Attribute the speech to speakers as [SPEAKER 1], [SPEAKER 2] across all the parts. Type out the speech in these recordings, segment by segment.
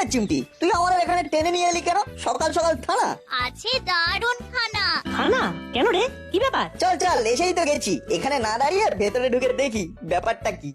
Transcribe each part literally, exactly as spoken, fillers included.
[SPEAKER 1] চিমটি, তুই আমাদের এখানে টেনে নিয়ে এলি কেন সকাল সকাল থানা?
[SPEAKER 2] আছে দারুণ খানা।
[SPEAKER 3] খানা কেন রে, কি ব্যাপার?
[SPEAKER 1] চল চল, এসেই তো গেছি, এখানে না দাঁড়িয়ে ভেতরে ঢুকে দেখি ব্যাপারটা কি।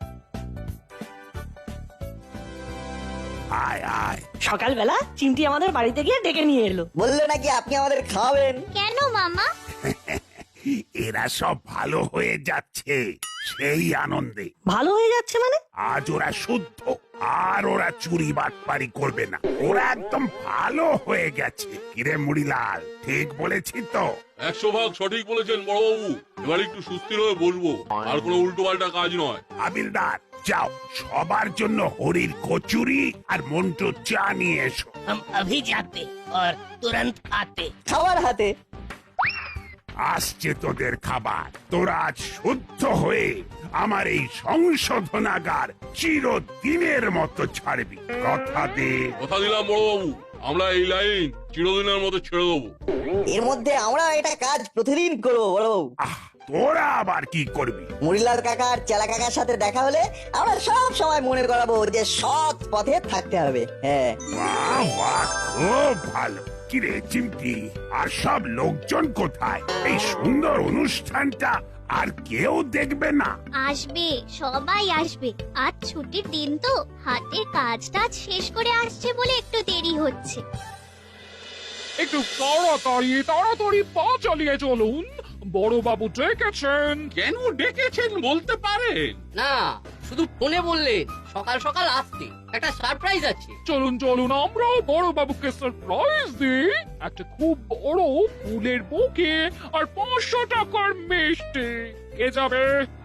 [SPEAKER 4] আয় আয়।
[SPEAKER 3] সকালবেলা চিমটি আমাদের বাড়িতে গিয়ে ডেকে নিয়ে এলো।
[SPEAKER 1] বললো নাকি আপনি আমাদের খাওয়াবেন।
[SPEAKER 2] কেন মামা?
[SPEAKER 4] এরা সব ভালো হয়ে যাচ্ছে সেই আনন্দে।
[SPEAKER 3] ভালো হয়ে যাচ্ছে মানে?
[SPEAKER 4] আজ ওরা শুদ্ধ, আর ওরা চুরি বাটপারি করবে না। ওরা একদম ভালো হয়ে গেছে। কিরে মুড়িলাল, ঠিক বলেছি তো?
[SPEAKER 5] একশো ভাগ সঠিক বলেছেন বড়বাবু। এবার একটু সুস্থির হয়ে বসবো, আর কোনো উল্টো পাল্টা কাজ নয়।
[SPEAKER 4] হাবিলদার, যাও সবার জন্য হরির কচুরি আর মন্টু চা নিয়ে এসো।
[SPEAKER 6] हम अभी जाते और तुरंत आते।
[SPEAKER 1] খাবার হাতে।
[SPEAKER 4] আসছে তোদের খাবার। তোরা আজ শুদ্ধ হয়ে আমার এই সংশোধনাগার চিরদিনের মতো ছাড়বি। কথা দে।
[SPEAKER 5] কথা দিলাম বড়বাবু, আমরা এই লাইন চিরদিনের মতো ছেড়ে দেবো।
[SPEAKER 1] এর মধ্যে আমরা এটা কাজ প্রতিদিন করবো বড়বাবু।
[SPEAKER 4] আহ, তোরা আবার কি করবি?
[SPEAKER 1] মুড়িলাল কাকা আর চেলা কাকার সাথে দেখা হলে আমরা সব সময় মনে করাবো যে সৎ পথে থাকতে হবে। হ্যাঁ,
[SPEAKER 4] বাহ বাহ, খুব ভালো। কিরে চিমটি, আর সব লোকজন কোথায়? এই সুন্দর অনুষ্ঠানটা আর কেউ দেখবে না?
[SPEAKER 2] আসবে, সবাই আসবে। আজ ছুটির দিন তো, হাতের কাজ টাজ শেষ করে আসছে বলে একটু দেরি হচ্ছে।
[SPEAKER 7] একটু তাড়াতাড়ি তাড়াতাড়ি পা চালিয়ে চলুন, বড়বাবু ডেকেছেন।
[SPEAKER 5] কেন ডেকেছেন বলতে পারেন?
[SPEAKER 6] না, শুধু ফোনে বললেন সকাল সকাল আসতে, একটা সারপ্রাইজ আছে।
[SPEAKER 7] চলুন চলুন, আমরাও বড়বাবুকে সারপ্রাইজ দিই। একটা খুব বড় ফুলের বুকে আর পাঁচশো টাকার মিষ্টি। কে যাবে?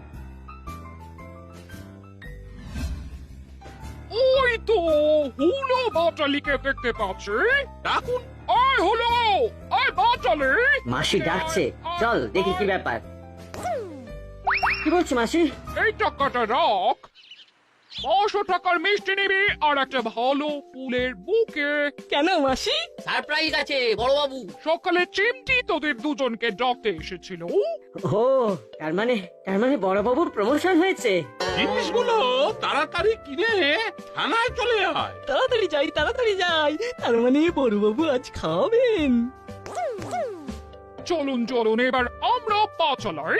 [SPEAKER 7] ওই তো হুলো বাটালিকে দেখতে পাচ্ছি।
[SPEAKER 5] ডাকুন।
[SPEAKER 7] আয় হলো, আয় বাটালি।
[SPEAKER 3] মাসি ডাকছে, চল দেখি কি ব্যাপার। কি বলছো মাসি?
[SPEAKER 7] এই টাকাটা রাখ, পাঁচশো টাকার মিষ্টি নিবি আর একটা ভালো ফুলের বুকে।
[SPEAKER 3] কেন মাসি?
[SPEAKER 6] সারপ্রাইজ আছে বড়বাবু।
[SPEAKER 7] সকালে চিমটি তোদের দুজনকে ডাকতে এসেছিল।
[SPEAKER 3] ও, তার মানে তার মানে বড়বাবুর প্রমোশন হয়েছে।
[SPEAKER 5] জিনিসগুলো তাড়াতাড়ি কিনে থানায় চলে আয়।
[SPEAKER 3] তাড়াতাড়ি যাই তাড়াতাড়ি যাই, তার মানে বড়বাবু আজ খাবেন।
[SPEAKER 7] চলুন চলুন, এবার আমরা পা চালাই।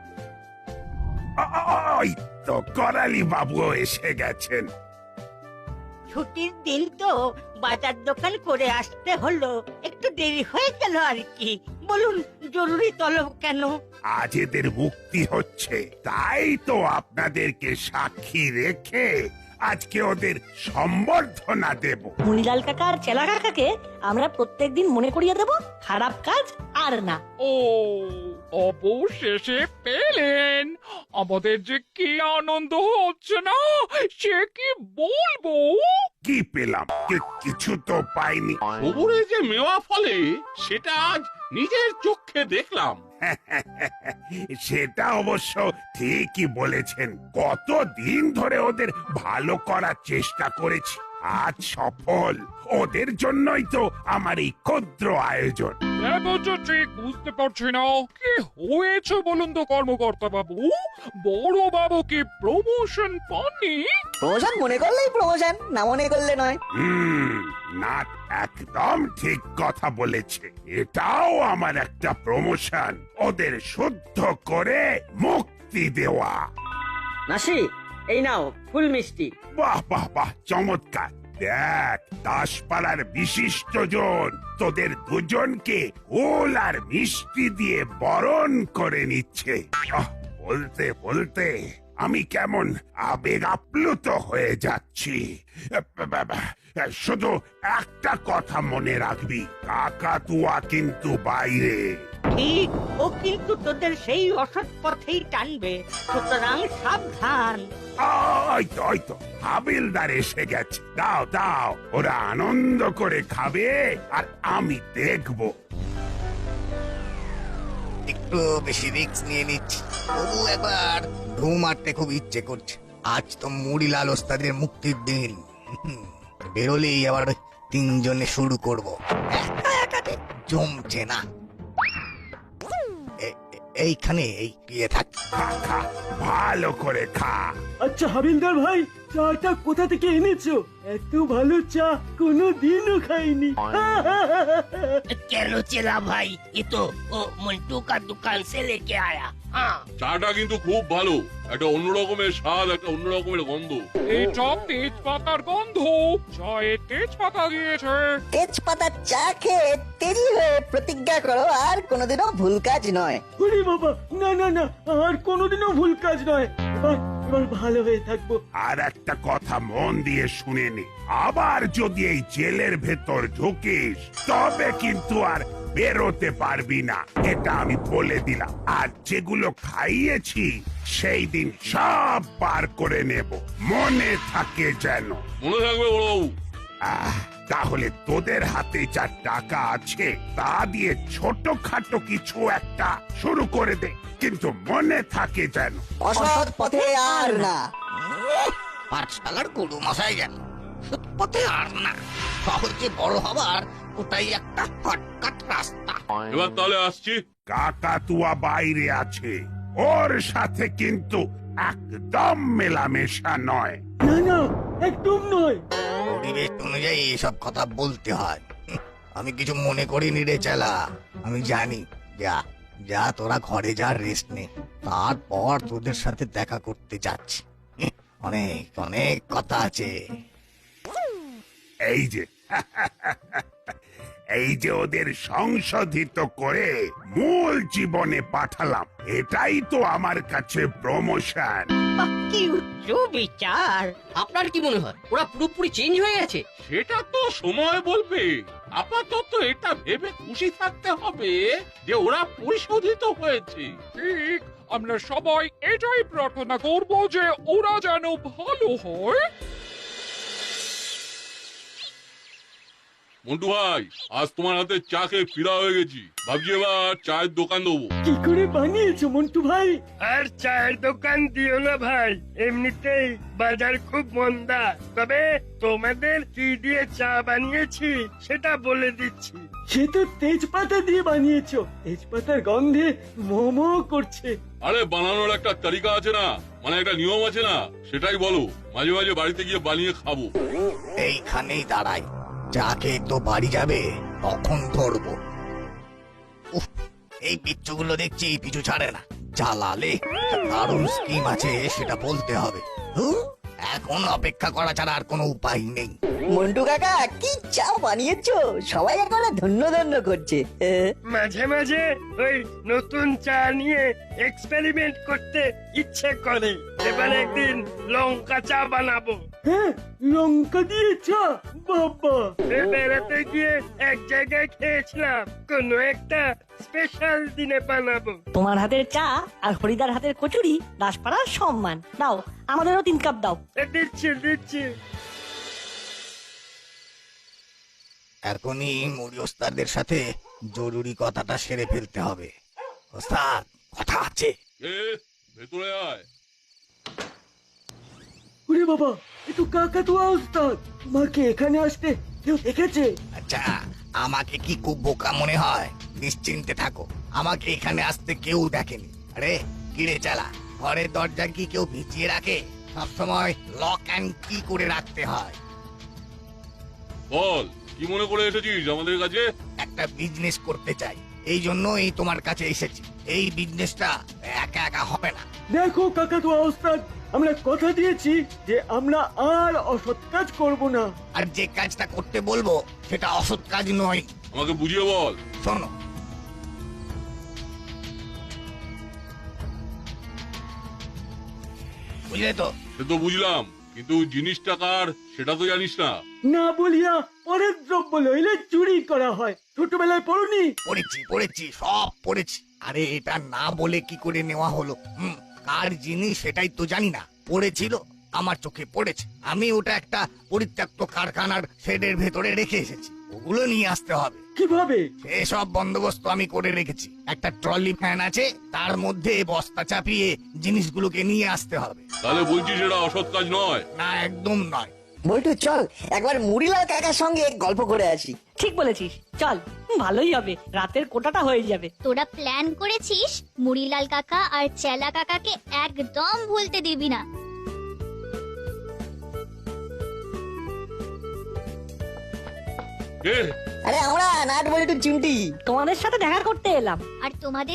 [SPEAKER 4] আ- আ- ওই তো করালি বাবু এসে গেছেন।
[SPEAKER 8] ছুটির দিন তো বাজার দোকান করে আসতে হলো, একটু দেরি হয়ে গেল আর কি। বলুন জরুরি তলব কেন?
[SPEAKER 4] আজ এদের মুক্তি হচ্ছে, তাই তো আপনাদেরকে সাক্ষী রেখে আজকে ওদের সম্বর্ধনা দেব।
[SPEAKER 3] মুনিলাল কাকা আর চেলা কাকাকে আমরা প্রত্যেকদিন মনে করিয়ে দেব খারাপ কাজ আর না।
[SPEAKER 7] ও, অবশেষে পেলেন। আমাদের যে কি আনন্দ হচ্ছে না, সে কি বলবো।
[SPEAKER 4] কি পেলাম? কি- কিছু তো পাইনি।
[SPEAKER 5] খবরে যে মেওয়া ফলে সেটা আজ নিজের চোখে দেখলাম।
[SPEAKER 4] সেটা অবশ্য ঠিকই বলেছেন। কতদিন ধরে ওদের ভালো করার চেষ্টা করেছি, আজ সফল। ওদের জন্যই তো আমার এই ক্ষুদ্র আয়োজন।
[SPEAKER 7] এখন তো ঠিক বুঝতে পারছি না কি হয়েছে বলুন তো কর্মকর্তা বাবু। বড় বাবু কি প্রমোশন পাননি?
[SPEAKER 1] প্রমোশন মনে করলেই প্রমোশন, না মনে করলে নয়।
[SPEAKER 4] হুম, না, একদম ঠিক কথা বলেছে। এটাও আমার একটা প্রমোশন, ওদের শুদ্ধ করে মুক্তি দেওয়া।
[SPEAKER 3] মাসি, এই নাও ফুল মিষ্টি।
[SPEAKER 4] বাহ বাহ বাহ, চমৎকার। দেখ, দাসপাড়ার বিশিষ্ট জন তোদের দুজনকে ফুল আর মিষ্টি দিয়ে বরণ করে নিচ্ছে। আহ, বলতে বলতে আমি কেমন আবেগ আপ্লুত হয়ে যাচ্ছি। শুধু একটা কথা মনে রাখবি, কাকাতুয়া কিন্তু বাইরে।
[SPEAKER 8] ঠিক, ও কিন্তু তোদের সেই অসৎ পথেই টানবে, সুতরাং সাবধান।
[SPEAKER 4] ওই তো ওই তো হাবিলদার এসে গেছে। দাও দাও, ওরা আনন্দ করে খাবে আর আমি দেখবো।
[SPEAKER 9] একটু বেশি রিস্ক নিয়ে নিচ্ছি, তবু একবার ঢু মারতে খুব ইচ্ছে করছে। আজ তো মুড়িলাল ওস্তাদের মুক্তির দিন। হুম, বেরোলেই আবার ওই তিনজনে শুরু করব। একা একাতে জমছে না। এ- এ- এইখানে এই গিয়ে থাক।
[SPEAKER 4] খা খা, ভালো করে খা।
[SPEAKER 3] আচ্ছা হাবিলদার ভাই,
[SPEAKER 10] চাটা কোথা থেকে এনেছো? এত ভালো চা কোনোদিনও খাইনি।
[SPEAKER 8] चलो चला भाई, ये तो ओ, मंटू का दुकान से लेके आया। हाँ
[SPEAKER 5] চাটা কিন্তু খুব ভালো, একটা অন্য রকমের স্বাদ, একটা অন্য রকমের গন্ধ।
[SPEAKER 7] এটা তেজপাতার গন্ধ, চায়ে তেজপাতা দিয়েছে।
[SPEAKER 1] তেজপাতার চা খেয়ে তেজি হয়ে প্রতিজ্ঞা করো আর কোনোদিনও ভুল কাজ নয়।
[SPEAKER 10] ওরে বাবা, না না না, আর কোনোদিনও ভুল কাজ নয়। এবার এবার ভালো হয়ে থাকবো।
[SPEAKER 4] আর একটা কথা মন দিয়ে শুনে নে, আবার যদি এই জেলের ভেতর ঢুকিস তবে কিন্তু আর বেরোতে পারবি না, এটা আমি বলে দিলাম। আর যেগুলো খাইয়েছি সেই দিন সব পার করে নেব, মনে থাকে যেন।
[SPEAKER 5] মনে থাকবে বড়বাবু।
[SPEAKER 4] আহ, তাহলে তোদের হাতে যা টাকা আছে তা দিয়ে ছোটখাটো কিছু একটা শুরু করে দে, কিন্তু মনে থাকে যেন।
[SPEAKER 1] অসৎ পথে আর না।
[SPEAKER 9] পাঠশালার গুরু মশাই যেন সৎ পথে আর না, সহজে বড় হবার ওটাই একটা শর্টকাট রাস্তা।
[SPEAKER 5] এবার তাহলে আসছি।
[SPEAKER 4] কাকাতুয়া বাইরে আছে, ওর সাথে কিন্তু একদম মেলামেশা নয়।
[SPEAKER 10] না না, একদম নয়।
[SPEAKER 9] পরিবেশ অনুযায়ী এসব কথা বলতে হয়। হুঁ, আমি কিছু মনে করিনি রে চালা, আমি জানি। যা যা তোরা ঘরে যা, রেস্ট নে, তারপর তোদের সাথে দেখা করতে যাচ্ছি। হুঁ, অনেক অনেক কথা আছে।
[SPEAKER 4] এই যে এই যে ওদের সংশোধিত করে মূল জীবনে পাঠালাম, এটাই তো আমার কাছে প্রমোশন।
[SPEAKER 8] কি উচ্চ বিচার।
[SPEAKER 6] আপনার কি মনে হয় ওরা পুরোপুরি চেঞ্জ হয়ে গেছে?
[SPEAKER 5] সেটা তো সময় বলবে। আপাতত এটা ভেবে খুশি থাকতে হবে যে ওরা পরিশোধিত হয়েছে।
[SPEAKER 7] ঠিক, আমরা সবাই এটাই প্রার্থনা করব যে ওরা যেন ভালো হয়।
[SPEAKER 5] মন্টু ভাই, আজ তোমার হাতে চা খেয়ে ফিরা হয়ে গেছি, ভাবছি এবার চায়ের দোকান দেবো।
[SPEAKER 10] কি করে বানিয়েছো মন্টু ভাই?
[SPEAKER 11] আর চায়ের দোকান দিও না ভাই, এমনিতেই বাজার খুব মন্দা। তবে তোমাদের কি দিয়ে চা বানিয়েছি সেটা বলে দিচ্ছি।
[SPEAKER 10] সে তো তেজপাতা দিয়ে বানিয়েছো, তেজপাতার গন্ধে মোমো করছে।
[SPEAKER 5] আরে বানানোর একটা তালিকা আছে না, মানে একটা নিয়ম আছে না, সেটাই বলো। মাঝে মাঝে বাড়িতে গিয়ে বানিয়ে খাবো।
[SPEAKER 9] এইখানেই দাঁড়াই, চা খেয়ে তো বাড়ি যাবে, তখন ধরবো। উফ, এই বিচ্ছুগুলো দেখছি পিছু ছাড়ে না। চালালে দারুণ স্কিম আছে সেটা বলতে হবে। হুঁ, এখন অপেক্ষা করা ছাড়া আর কোনো উপায় নেই।
[SPEAKER 1] মন্টু কাকা কি চা বানিয়েছো, সবাই এখন ধন্য ধন্য করছে। এ,
[SPEAKER 11] মাঝে মাঝে ওই নতুন চা নিয়ে এক্সপেরিমেন্ট করতে ইচ্ছে করে। এবার একদিন লঙ্কা চা বানাবো।
[SPEAKER 10] হ্যাঁ, লঙ্কা দিয়ে চা, বাবা।
[SPEAKER 11] এ বেড়াতে গিয়ে এক জায়গায় খেয়েছিলাম, কোনো একটা স্পেশাল দিনে বানাবো।
[SPEAKER 3] তোমার হাতের চা আর হরিদার হাতের কচুরি দাসপাড়ার সম্মান। দাও, আমাদেরও তিন কাপ দাও।
[SPEAKER 11] এ দিচ্ছি দিচ্ছি।
[SPEAKER 9] এখনই মুড়ি ওস্তাদের সাথে জরুরি কথাটা সেরে ফেলতে হবে। ওস্তাদ, কথা আছে।
[SPEAKER 5] এ ভেতরে আয়।
[SPEAKER 10] ওরে বাবা, এ তো কাকাতুয়া ওস্তাদ। মাকে এখানে আসতে কেউ দেখেছে?
[SPEAKER 9] আচ্ছা, আমাকে কি খুব বোকা মনে হয়? নিশ্চিন্তে থাকো, আমাকে এখানে আসতে কেউ দেখেনি। আরে কিরে চালা, ঘরের দরজা কি কেউ ভিজিয়ে রাখে? সবসময় লক অ্যান্ড কি করে রাখতে হয়।
[SPEAKER 5] বল, কি মনে করে এসেছিস আমাদের কাছে?
[SPEAKER 9] একটা বিজনেস করতে চাই, এই জন্যই তোমার কাছে এসেছি। এই বিজনেসটা একা একা হবে না।
[SPEAKER 10] দেখো কাকাতুয়া ওস্তাদ, আমরা কথা দিয়েছি যে আমরা আর অসৎ কাজ করব না।
[SPEAKER 9] আর যে কাজটা করতে বলবো সেটা অসৎ কাজ নয়।
[SPEAKER 5] আমাকে বুঝিয়ে বল।
[SPEAKER 9] শোনো, বুঝলে তো?
[SPEAKER 5] সে তো বুঝলাম, কিন্তু জিনিসটা কার সেটা তো জানিস না।
[SPEAKER 10] না বলিয়া পরের দ্রব্য লইলে চুরি করা হয়। ছোটবেলায় পড়নি?
[SPEAKER 9] পড়েছি পড়েছি, সব পড়েছি। আরে এটা না বলে কি করে নেওয়া হলো? হুম, কার জিনিস সেটাই তো জানি না। পড়েছিল, আমার চোখে পড়েছে। আমি ওটা একটা পরিত্যক্ত কারখানার শেডের ভেতরে রেখে এসেছি। ওগুলো নিয়ে আসতে হবে।
[SPEAKER 10] কিভাবে?
[SPEAKER 9] এসব বন্দোবস্ত আমি করে রেখেছি। একটা ট্রলি ভ্যান আছে, তার মধ্যে বস্তা চাপিয়ে জিনিসগুলোকে নিয়ে আসতে হবে।
[SPEAKER 5] তাহলে বলছিস এটা অসৎ কাজ নয়?
[SPEAKER 9] না, একদম নয়।
[SPEAKER 1] বল্টু চল একবার মুড়িলাল কাকার সঙ্গে গল্প করে আসি।
[SPEAKER 3] ঠিক বলেছিস, চল। ভালোই হবে, রাতের কোটাটা হয়ে যাবে।
[SPEAKER 2] তোরা প্ল্যান করেছিস মুড়িলাল কাকা আর চেলা কাকাকে একদম ভুলতে দিবি না।
[SPEAKER 5] কে?
[SPEAKER 1] আরে আমরা নাট বল্টু চিমটি।
[SPEAKER 3] তোমাদের সাথে দেখা করতে এলাম।
[SPEAKER 2] আর তোমাদের